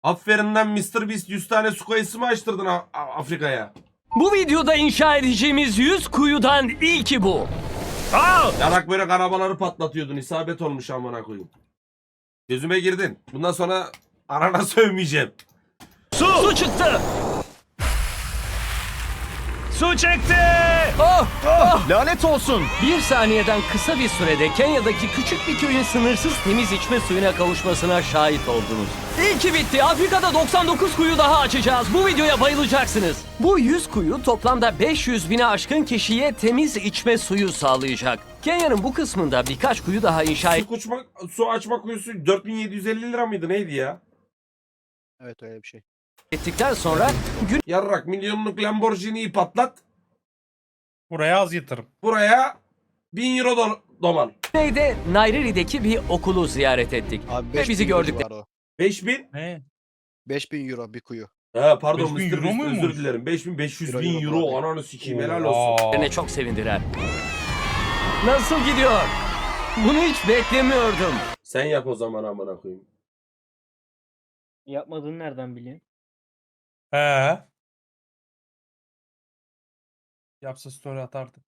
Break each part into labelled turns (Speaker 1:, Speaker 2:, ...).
Speaker 1: Aferin lan Mr. Beast, 100 tane su kayısı mı açtırdın Afrika'ya?
Speaker 2: Bu videoda inşa edeceğimiz 100 kuyudan ilki bu.
Speaker 1: Yarak böyle arabaları patlatıyordun. İsabet olmuş amına koyayım. Gözüme girdin. Bundan sonra arana sövmeyeceğim.
Speaker 2: Su çıktı.
Speaker 3: Su çekti.
Speaker 4: Lanet olsun.
Speaker 2: Bir saniyeden kısa bir sürede Kenya'daki küçük bir köyün sınırsız temiz içme suyuna kavuşmasına şahit oldunuz. İlki bitti. Afrika'da 99 kuyu daha açacağız. Bu videoya bayılacaksınız. Bu 100 kuyu toplamda 500 bine aşkın kişiye temiz içme suyu sağlayacak. Kenya'nın bu kısmında birkaç kuyu daha inşa
Speaker 1: Su açma kuyusu 4750 lira mıydı neydi ya?
Speaker 4: Evet öyle bir şey.
Speaker 2: ettikten sonra
Speaker 1: Yarrak milyonluk Lamborghini'yi patlat.
Speaker 3: Buraya az yatırım.
Speaker 1: Buraya 1000 euro doman.
Speaker 2: güneyde Nairiri'deki bir okulu ziyaret ettik.
Speaker 4: Abi
Speaker 2: Ve
Speaker 4: 5000
Speaker 2: bizi
Speaker 4: euro
Speaker 2: gördük.
Speaker 4: var o.
Speaker 1: 5000.
Speaker 3: Ne?
Speaker 4: 5000 euro bir kuyu.
Speaker 1: Ha pardon
Speaker 3: 5000
Speaker 1: Mr.
Speaker 3: euro
Speaker 1: Beast,
Speaker 3: muymuş?
Speaker 1: özür dilerim. 5500
Speaker 4: Euro,
Speaker 1: bin
Speaker 4: euro,
Speaker 1: euro.
Speaker 4: abi.
Speaker 1: Ananı sikeyim helal olsun.
Speaker 2: Beni çok sevindiler. Nasıl gidiyor? Bunu hiç beklemiyordum.
Speaker 1: Sen yap o zaman amına koyayım.
Speaker 5: Yapmadığını nereden biliyorsun?
Speaker 3: He. Yapsa story atardı.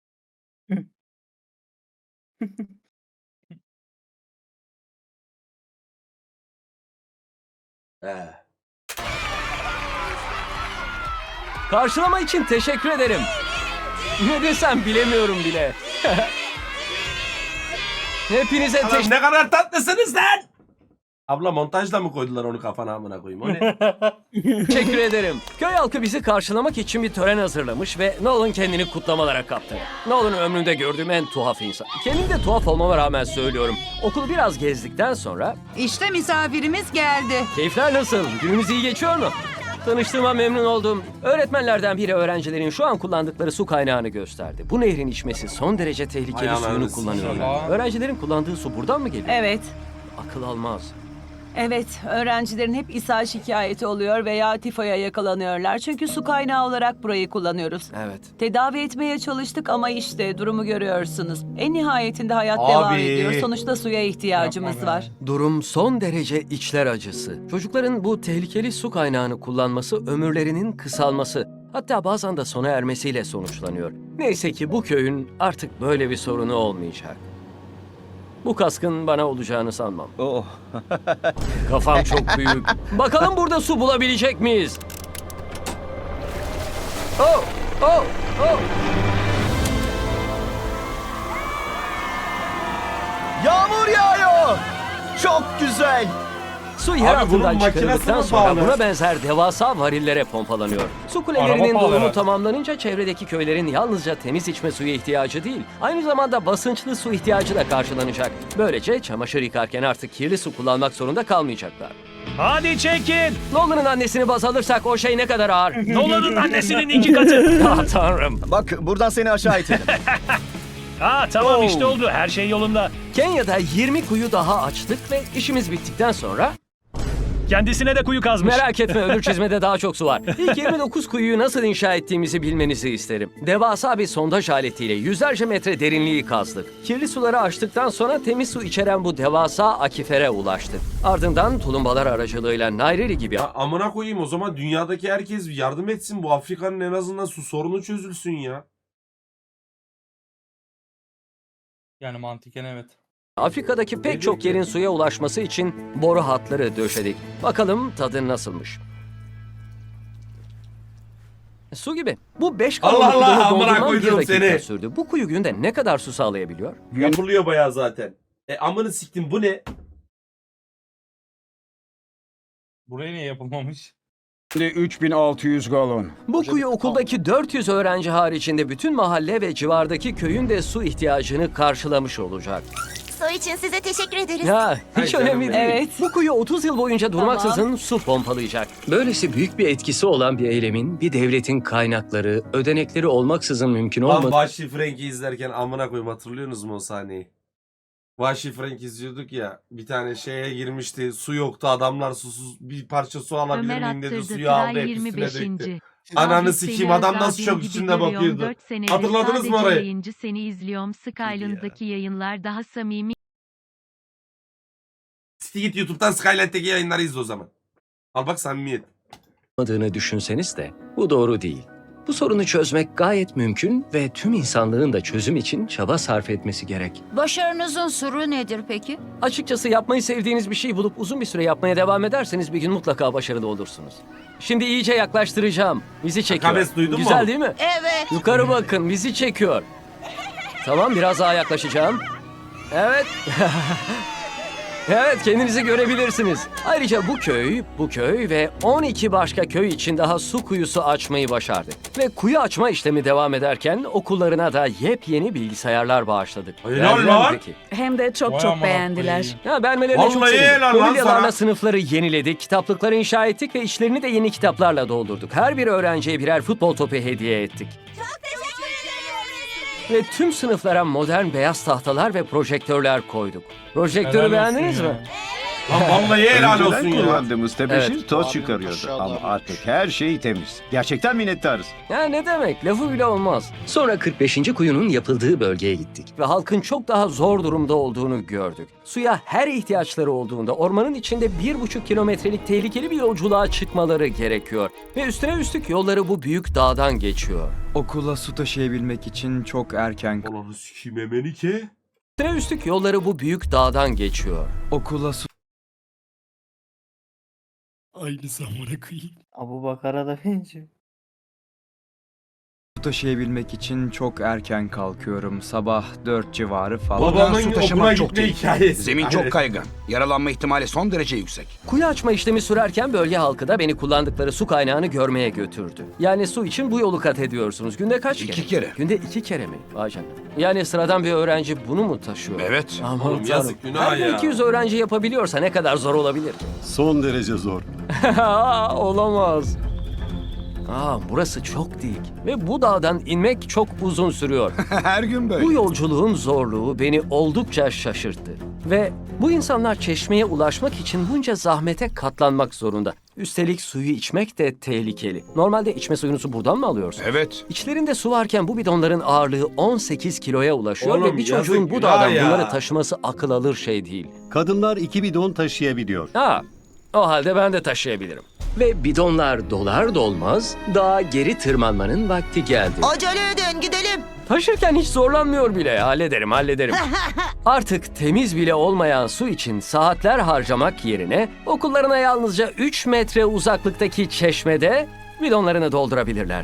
Speaker 1: He.
Speaker 2: Karşılama için teşekkür ederim. Ne desem bilemiyorum bile. Hepinize
Speaker 1: Anam ne kadar tatlısınız lan. Abla montajla mı koydular onu kafana amına koyayım? O ne?
Speaker 2: teşekkür ederim. Köy halkı bizi karşılamak için bir tören hazırlamış ve Nolan kendini kutlamalara kaptı. Nolan ömrümde gördüğüm en tuhaf insan. Kendim de tuhaf olmama rağmen söylüyorum. Okulu biraz gezdikten sonra
Speaker 6: İşte misafirimiz geldi.
Speaker 2: keyifler nasıl? Günümüz iyi geçiyor mu? Tanıştığıma memnun oldum. Öğretmenlerden biri öğrencilerin şu an kullandıkları su kaynağını gösterdi. Bu nehrin içmesi son derece tehlikeli
Speaker 1: Ay
Speaker 2: suyunu
Speaker 1: ananı
Speaker 2: kullanıyorlar.
Speaker 3: sikeyim.
Speaker 2: Öğrencilerin kullandığı su buradan mı geliyor?
Speaker 6: Evet.
Speaker 2: Akıl almaz.
Speaker 6: Evet, öğrencilerin hep ishal şikayeti oluyor veya tifoya yakalanıyorlar. Çünkü su kaynağı olarak burayı kullanıyoruz.
Speaker 2: Evet.
Speaker 6: Tedavi etmeye çalıştık ama işte durumu görüyorsunuz. En nihayetinde hayat
Speaker 1: Abi.
Speaker 6: devam ediyor. Sonuçta suya ihtiyacımız
Speaker 3: Yapma be.
Speaker 6: var.
Speaker 2: Durum son derece içler acısı. Çocukların bu tehlikeli su kaynağını kullanması ömürlerinin kısalması, hatta bazen de sona ermesiyle sonuçlanıyor. Neyse ki bu köyün artık böyle bir sorunu olmayacak. Bu kaskın bana olacağını sanmam.
Speaker 4: Oh.
Speaker 2: Kafam çok büyük. Bakalım burada su bulabilecek miyiz? Oh, oh, oh.
Speaker 4: Yağmur yağıyor. Çok güzel.
Speaker 2: Su yer
Speaker 1: Abi bunun
Speaker 2: altından
Speaker 1: makinesi
Speaker 2: çıkarıldıktan
Speaker 1: mi
Speaker 2: sonra
Speaker 1: pahalı?
Speaker 2: buna benzer devasa varillere pompalanıyor. Su
Speaker 3: Araba
Speaker 2: kulelerinin
Speaker 3: pahalı
Speaker 2: dolumu
Speaker 3: herhalde.
Speaker 2: tamamlanınca çevredeki köylerin yalnızca temiz içme suyu ihtiyacı değil, aynı zamanda basınçlı su ihtiyacı da karşılanacak. Böylece çamaşır yıkarken artık kirli su kullanmak zorunda kalmayacaklar.
Speaker 3: Hadi çekin.
Speaker 2: Nolan'ın annesini baz alırsak o şey ne kadar ağır.
Speaker 3: Nolan'ın annesinin 2 katı.
Speaker 2: Ah tanrım.
Speaker 4: Bak buradan seni aşağı itelim.
Speaker 3: Tamam işte oldu. Her şey yolunda.
Speaker 2: Kenya'da 20 kuyu daha açtık ve işimiz bittikten sonra
Speaker 3: Kendisine de kuyu kazmış.
Speaker 2: merak etme öbür çizmede daha çok su var. İlk 29 kuyuyu nasıl inşa ettiğimizi bilmenizi isterim. Devasa bir sondaj aletiyle yüzlerce metre derinliği kazdık. Kirli suları açtıktan sonra temiz su içeren bu devasa akifere ulaştık. Ardından tulumbalar aracılığıyla Nairiri gibi
Speaker 1: Ya amına koyayım o zaman dünyadaki herkes yardım etsin. Bu Afrika'nın en azından su sorunu çözülsün ya.
Speaker 3: Yani mantıken evet.
Speaker 2: Afrika'daki pek çok yerin suya ulaşması için boru hatları döşedik. Bakalım tadı nasılmış. Su gibi. Bu 5
Speaker 1: Allah
Speaker 2: galonluk
Speaker 1: Allah,
Speaker 2: bidonu
Speaker 1: amına
Speaker 2: doldurmam
Speaker 1: koydum
Speaker 2: 1 dakika
Speaker 1: seni.
Speaker 2: sürdü. Bu kuyu günde ne kadar su sağlayabiliyor?
Speaker 1: Yapılıyor bayağı zaten. Amını siktim bu ne?
Speaker 3: Buraya niye yapılmamış?
Speaker 7: 3600 galon.
Speaker 2: Bu kuyu okuldaki 400 öğrenci haricinde bütün mahalle ve civardaki köyün de su ihtiyacını karşılamış olacak.
Speaker 8: Su için size teşekkür ederiz.
Speaker 2: Ya hiç
Speaker 1: Ay
Speaker 2: önemli
Speaker 1: canım
Speaker 2: değil.
Speaker 6: Evet.
Speaker 2: Bu kuyu 30 yıl boyunca durmaksızın su pompalayacak. Böylesi büyük bir etkisi olan bir eylemin bir devletin kaynakları, ödenekleri olmaksızın mümkün
Speaker 1: Lan
Speaker 2: olmadığı
Speaker 1: Vahşi Frank'i izlerken amına koyayım hatırlıyorsunuz mu o sahneyi? Vahşi Frank izliyorduk ya. Bir tane şeye girmişti. Su yoktu. Adamlar susuz bir parça su alabilir
Speaker 9: Ömer
Speaker 1: miyim dedi.
Speaker 9: attırdı
Speaker 1: Suyu aldı
Speaker 9: Tray
Speaker 1: hep üstüne
Speaker 9: 25.
Speaker 1: döktü. Ananı sikeyim adam nasıl çok üstünde bakıyordu. Hatırladınız mı orayı?
Speaker 9: Yayıncı seni izliyorum. Skyland'daki yayınlar daha samimi.
Speaker 1: Git YouTube'dan Skylight'teki yayınları izle o zaman. Al bak samimiyet.
Speaker 2: olmadığını düşünseniz de bu doğru değil. Bu sorunu çözmek gayet mümkün ve tüm insanlığın da çözüm için çaba sarf etmesi gerek.
Speaker 8: Başarınızın sırrı nedir peki?
Speaker 2: Açıkçası yapmayı sevdiğiniz bir şeyi bulup uzun bir süre yapmaya devam ederseniz bir gün mutlaka başarılı olursunuz. Şimdi iyice yaklaştıracağım. Bizi çekiyor.
Speaker 1: Akabes duydun mu?
Speaker 2: Güzel değil mi?
Speaker 8: Evet.
Speaker 2: Yukarı bakın, bizi çekiyor. Tamam, biraz daha yaklaşacağım. Evet. Evet, kendinizi görebilirsiniz. Ayrıca bu köy ve 12 başka köy için daha su kuyusu açmayı başardık. Ve kuyu açma işlemi devam ederken okullarına da yepyeni bilgisayarlar bağışladık.
Speaker 1: Helal
Speaker 2: Beğendiler mi
Speaker 1: lan.
Speaker 2: peki?
Speaker 5: Hem de çok beğendiler.
Speaker 2: Ya beğenmelerine çok
Speaker 1: Vallahi
Speaker 2: sevindim.
Speaker 1: helal lan
Speaker 2: Mobilyalarla
Speaker 1: sana.
Speaker 2: sınıfları yeniledik, kitaplıkları inşa ettik ve içlerini de yeni kitaplarla doldurduk. Her bir öğrenciye birer futbol topu hediye ettik. Ve tüm sınıflara modern beyaz tahtalar ve projektörler koyduk. Projektörü beğendiniz mi?
Speaker 1: Lan vallahi helal olsun
Speaker 7: Önceden
Speaker 1: ya.
Speaker 7: kullandığımız tebeşir
Speaker 2: Evet.
Speaker 7: toz
Speaker 4: Abi,
Speaker 7: çıkarıyordu
Speaker 4: maşallah.
Speaker 7: ama artık her şey temiz. Gerçekten minnettarız.
Speaker 2: Ya ne demek, lafı bile olmaz. Sonra 45. kuyunun yapıldığı bölgeye gittik. Ve halkın çok daha zor durumda olduğunu gördük. Suya her ihtiyaçları olduğunda ormanın içinde 1,5 kilometrelik tehlikeli bir yolculuğa çıkmaları gerekiyor. Ve üstüne üstlük yolları bu büyük dağdan geçiyor.
Speaker 10: Okula su taşıyabilmek için çok erken
Speaker 1: Ulan sikeyim Emenike.
Speaker 2: Üstüne üstlük yolları bu büyük dağdan geçiyor.
Speaker 10: okula su
Speaker 5: Abu Bakar'a da benziyor.
Speaker 10: taşıyabilmek için çok erken kalkıyorum. Sabah 4 civarı falan.
Speaker 1: Babamın
Speaker 11: su
Speaker 1: okula
Speaker 11: taşımak çok
Speaker 1: gitme
Speaker 11: tehlikeli.
Speaker 1: hikayesi.
Speaker 11: Zemin
Speaker 1: Aynen.
Speaker 11: çok kaygan. Yaralanma ihtimali son derece yüksek.
Speaker 2: Kuyu açma işlemi sürerken bölge halkı da beni kullandıkları su kaynağını görmeye götürdü. Yani su için bu yolu kat ediyorsunuz. Günde kaç kere?
Speaker 11: 2 kere.
Speaker 2: Günde 2 kere mi? Vay canına. Yani sıradan bir öğrenci bunu mu taşıyor?
Speaker 11: Evet.
Speaker 2: Aman
Speaker 1: Oğlum
Speaker 2: tanrım.
Speaker 1: yazık, günah
Speaker 2: Her
Speaker 1: ya.
Speaker 2: 200 öğrenci yapabiliyorsa ne kadar zor olabilir ki?
Speaker 7: Son derece zor.
Speaker 2: Olamaz. Burası çok dik ve bu dağdan inmek çok uzun sürüyor.
Speaker 11: Her gün böyle.
Speaker 2: Bu yolculuğun zorluğu beni oldukça şaşırttı. Ve bu insanlar çeşmeye ulaşmak için bunca zahmete katlanmak zorunda. Üstelik suyu içmek de tehlikeli. Normalde içme suyunuzu buradan mı alıyorsun?
Speaker 11: Evet.
Speaker 2: İçlerinde su varken bu bidonların ağırlığı 18 kiloya ulaşıyor
Speaker 1: Oğlum,
Speaker 2: ve bir çocuğun
Speaker 1: yazık,
Speaker 2: bu
Speaker 1: günah
Speaker 2: dağdan
Speaker 1: ya.
Speaker 2: bunları taşıması akıl alır şey değil.
Speaker 7: Kadınlar 2 bidon taşıyabiliyor.
Speaker 2: O halde ben de taşıyabilirim. Ve bidonlar dolar dolmaz dağa geri tırmanmanın vakti geldi.
Speaker 8: Acele edin gidelim.
Speaker 2: Taşırken hiç zorlanmıyor bile. Hallederim. Artık temiz bile olmayan su için saatler harcamak yerine okullarına yalnızca 3 metre uzaklıktaki çeşmede bidonlarını doldurabilirler.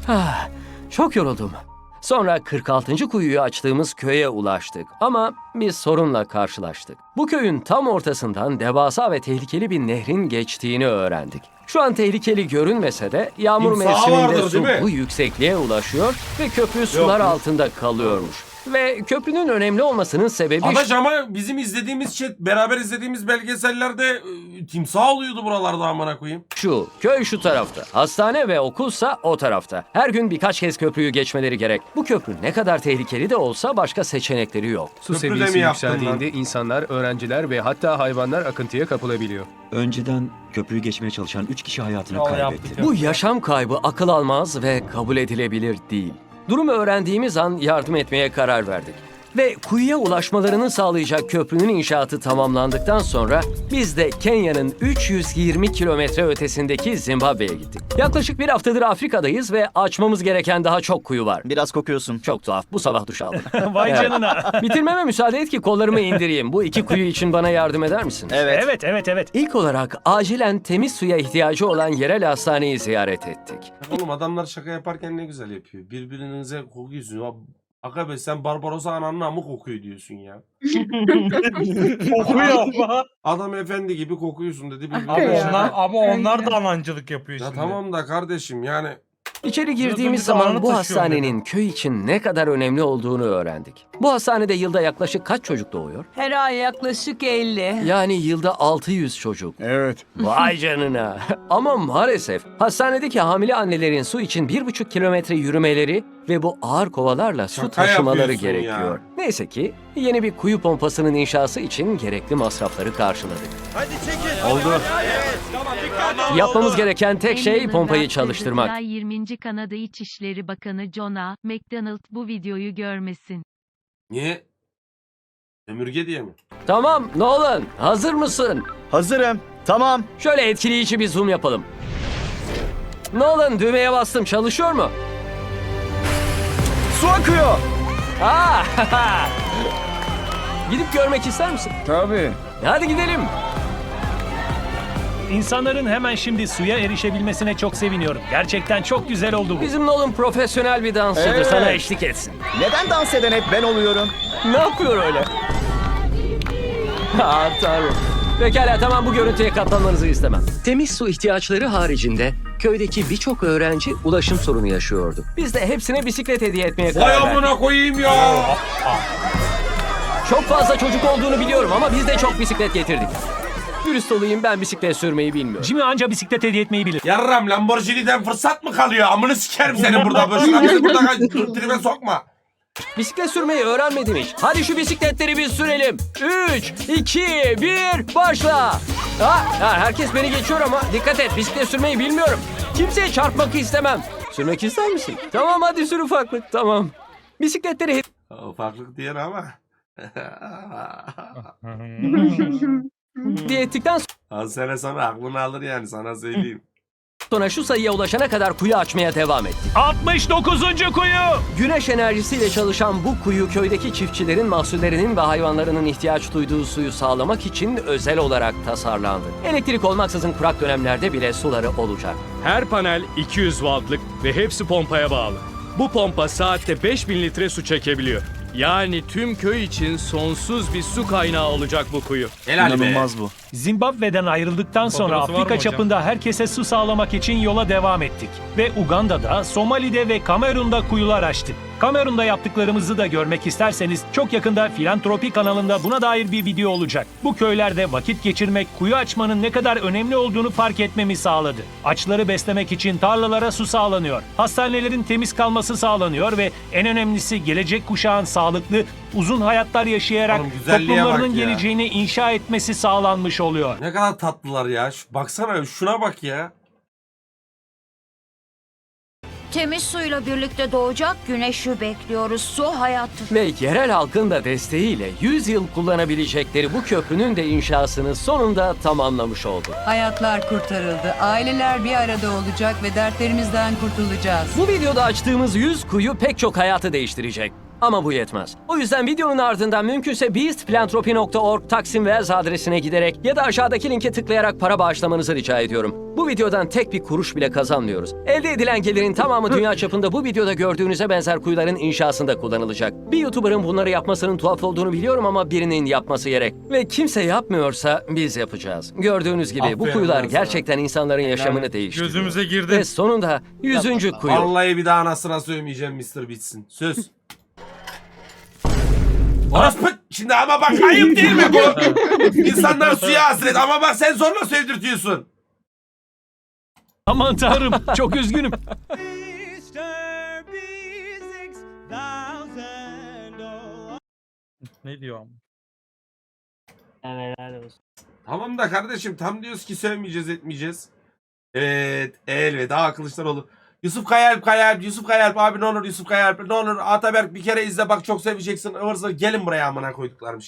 Speaker 2: Çok yoruldum. Sonra 46. kuyuyu açtığımız köye ulaştık ama bir sorunla karşılaştık. Bu köyün tam ortasından devasa ve tehlikeli bir nehrin geçtiğini öğrendik. Şu an tehlikeli görünmese de yağmur
Speaker 1: Timsahı
Speaker 2: mevsiminde
Speaker 1: vardır,
Speaker 2: su
Speaker 1: değil mi?
Speaker 2: bu yüksekliğe ulaşıyor ve köprü sular
Speaker 1: yok.
Speaker 2: altında kalıyormuş. Ve köprünün önemli olmasının sebebi
Speaker 1: Adaş ama bizim izlediğimiz beraber izlediğimiz belgesellerde timsah oluyordu buralarda amına koyayım.
Speaker 2: şu: köy şu tarafta, hastane ve okulsa o tarafta. Her gün birkaç kez köprüyü geçmeleri gerek. Bu köprü ne kadar tehlikeli de olsa başka seçenekleri yok.
Speaker 1: Köprü
Speaker 12: Su
Speaker 1: de
Speaker 12: seviyesi
Speaker 1: mi yaptın
Speaker 12: yükseldiğinde insanlar, öğrenciler ve hatta hayvanlar akıntıya kapılabiliyor.
Speaker 10: Önceden köprüyü geçmeye çalışan 3 kişi hayatını kaybetti.
Speaker 2: Bu yaşam kaybı akıl almaz ve kabul edilebilir değil. Durumu öğrendiğimiz an yardım etmeye karar verdik. Ve kuyuya ulaşmalarını sağlayacak köprünün inşaatı tamamlandıktan sonra biz de Kenya'nın 320 kilometre ötesindeki Zimbabwe'ye gittik. Yaklaşık bir haftadır Afrika'dayız ve açmamız gereken daha çok kuyu var.
Speaker 4: Biraz kokuyorsun.
Speaker 2: Çok tuhaf. Bu sabah duş aldım.
Speaker 3: Vay
Speaker 2: Evet.
Speaker 3: canına.
Speaker 2: Bitirmeme müsaade et ki kollarımı indireyim. Bu 2 kuyu için bana yardım eder misin?
Speaker 4: Evet.
Speaker 3: Evet.
Speaker 2: İlk olarak acilen temiz suya ihtiyacı olan yerel hastaneyi ziyaret ettik.
Speaker 1: Oğlum adamlar şaka yaparken ne güzel yapıyor. Birbirinize kokuyorsun. Aga be sen Barbarossa ananın amı kokuyor diyorsun ya.
Speaker 3: Kokuyor ama.
Speaker 1: Adam efendi gibi kokuyorsun dedi.
Speaker 5: Abi
Speaker 3: Ama onlar da anancılık yapıyor
Speaker 1: Ya tamam da kardeşim yani.
Speaker 2: İçeri girdiğimiz
Speaker 3: Yıldızlı
Speaker 2: zaman
Speaker 3: dağını
Speaker 2: bu
Speaker 3: taşıyorum
Speaker 2: hastanenin köy için ne kadar önemli olduğunu öğrendik. Bu hastanede yılda yaklaşık kaç çocuk doğuyor?
Speaker 6: Her ay yaklaşık 50.
Speaker 2: Yani yılda 600 çocuk.
Speaker 7: Evet.
Speaker 2: Vay canına. Ama maalesef hastanedeki hamile annelerin su için 1,5 kilometre yürümeleri ve bu ağır kovalarla su
Speaker 1: Şaka
Speaker 2: taşımaları
Speaker 1: yapıyorsun
Speaker 2: gerekiyor.
Speaker 1: ya.
Speaker 2: Neyse ki yeni bir kuyu pompasının inşası için gerekli masrafları karşıladık.
Speaker 7: Oldu.
Speaker 2: Yapmamız gereken tek
Speaker 9: En
Speaker 2: şey
Speaker 9: yılında
Speaker 2: pompayı
Speaker 9: Kızılay
Speaker 2: çalıştırmak.
Speaker 9: 20. Kanada İçişleri Bakanı John A. MacDonald bu videoyu görmesin.
Speaker 1: Niye? Sömürge diye mi?
Speaker 2: Tamam Nolan, hazır mısın?
Speaker 4: Hazırım. Tamam.
Speaker 2: Şöyle etkileyici bir zoom yapalım. Nolan, düğmeye bastım, çalışıyor mu?
Speaker 4: Su akıyor.
Speaker 2: Aa! Gidip görmek ister misin?
Speaker 10: Tabii.
Speaker 2: Hadi gidelim.
Speaker 3: İnsanların hemen şimdi suya erişebilmesine çok seviniyorum. Gerçekten çok güzel oldu bu.
Speaker 2: Bizim Nolan profesyonel bir dansçıdır,
Speaker 4: Evet.
Speaker 2: sana eşlik etsin.
Speaker 4: Neden dans eden hep ben oluyorum?
Speaker 2: Ne yapıyor öyle? Tanrım. Pekala, tamam, bu görüntüye katlanmanızı istemem. Temiz su ihtiyaçları haricinde köydeki birçok öğrenci ulaşım sorunu yaşıyordu. Biz de hepsine bisiklet hediye etmeye
Speaker 1: Vay
Speaker 2: karar verdik.
Speaker 1: amına koyayım ya.
Speaker 2: Çok fazla çocuk olduğunu biliyorum ama biz de çok bisiklet getirdik. Dürüst olayım, ben bisiklet sürmeyi bilmiyorum.
Speaker 3: Jimmy anca bisiklet hediye etmeyi bilir.
Speaker 1: Yarram Lamborghini'den fırsat mı kalıyor? Amını sikerim seni burada. Boşuna bizi burada tribe sokma.
Speaker 2: Bisiklet sürmeyi öğrenmedim hiç. Hadi şu bisikletleri biz sürelim. 3, 2, 1, başla. Herkes beni geçiyor ama dikkat et, bisiklet sürmeyi bilmiyorum. Kimseye çarpmak istemem. Sürmek ister misin? Tamam, hadi sür ufaklık, tamam. Bisikletleri
Speaker 1: Ufaklık diyen ama.
Speaker 2: hediye ettikten
Speaker 1: Az sene sonra aklını alır yani, sana söyleyeyim.
Speaker 2: sonra şu sayıya ulaşana kadar kuyu açmaya devam ettik.
Speaker 3: 69. kuyu.
Speaker 2: Güneş enerjisiyle çalışan bu kuyu köydeki çiftçilerin mahsullerinin ve hayvanlarının ihtiyaç duyduğu suyu sağlamak için özel olarak tasarlandı. Elektrik olmaksızın kurak dönemlerde bile suları olacak.
Speaker 12: Her panel 200 wattlık ve hepsi pompaya bağlı. Bu pompa saatte 5000 litre su çekebiliyor. Yani tüm köy için sonsuz bir su kaynağı olacak bu kuyu.
Speaker 1: Helal be.
Speaker 4: İnanılmaz bu.
Speaker 3: Zimbabwe'den ayrıldıktan sonra Afrika çapında herkese su sağlamak için yola devam ettik. Ve Uganda'da, Somali'de ve Kamerun'da kuyular açtık. Kamerun'da yaptıklarımızı da görmek isterseniz çok yakında Filantropi kanalında buna dair bir video olacak. Bu köylerde vakit geçirmek kuyu açmanın ne kadar önemli olduğunu fark etmemi sağladı. Açları beslemek için tarlalara su sağlanıyor. Hastanelerin temiz kalması sağlanıyor ve en önemlisi gelecek kuşağın sağlıklı, uzun hayatlar yaşayarak
Speaker 1: Oğlum güzelliğe
Speaker 3: toplumlarının
Speaker 1: bak ya.
Speaker 3: geleceğini inşa etmesi sağlanmış oluyor.
Speaker 1: Ne kadar tatlılar ya. Baksana şuna bak ya.
Speaker 8: Temiz suyla birlikte doğacak güneşi bekliyoruz. Su hayattır.
Speaker 2: Ve yerel halkın da desteğiyle 100 yıl kullanabilecekleri bu köprünün de inşasını sonunda tamamlamış oldu.
Speaker 5: Hayatlar kurtarıldı. Aileler bir arada olacak ve dertlerimizden kurtulacağız.
Speaker 2: Bu videoda açtığımız 100 kuyu pek çok hayatı değiştirecek. Ama bu yetmez. O yüzden videonun ardından mümkünse beastphilanthropy.org Taksim Wells adresine giderek ya da aşağıdaki linke tıklayarak para bağışlamanızı rica ediyorum. Bu videodan tek bir kuruş bile kazanmıyoruz. Elde edilen gelirin tamamı dünya çapında bu videoda gördüğünüze benzer kuyuların inşasında kullanılacak. Bir YouTuber'ın bunları yapmasının tuhaf olduğunu biliyorum ama birinin yapması gerek. Ve kimse yapmıyorsa biz yapacağız. Gördüğünüz gibi bu
Speaker 1: Aferin
Speaker 2: kuyular
Speaker 1: lan sana.
Speaker 2: gerçekten insanların yaşamını değiştiriyor.
Speaker 12: Gözümüze girdi.
Speaker 2: Ve sonunda 100. kuyu.
Speaker 1: Vallahi bir daha anasına sövmeyeceğim Mr. Bitsin. Söz. Orospu. Şimdi ama bak ayıp değil mi bu? İnsanlar suya hasret ama bak sen zorla sevdirtiyorsun.
Speaker 3: Aman tanrım, çok üzgünüm.
Speaker 12: Ne diyor?
Speaker 1: Tamam da kardeşim tam diyoruz ki sövmeyeceğiz etmeyeceğiz. Evet elveda Kılıçdaroğlu. Yusuf Kayalp, Yusuf Kayalp abi ne olur Yusuf Kayalp ne olur Ataberk bir kere izle bak çok seveceksin ıvır zıvır gelin buraya amına koyduklarım.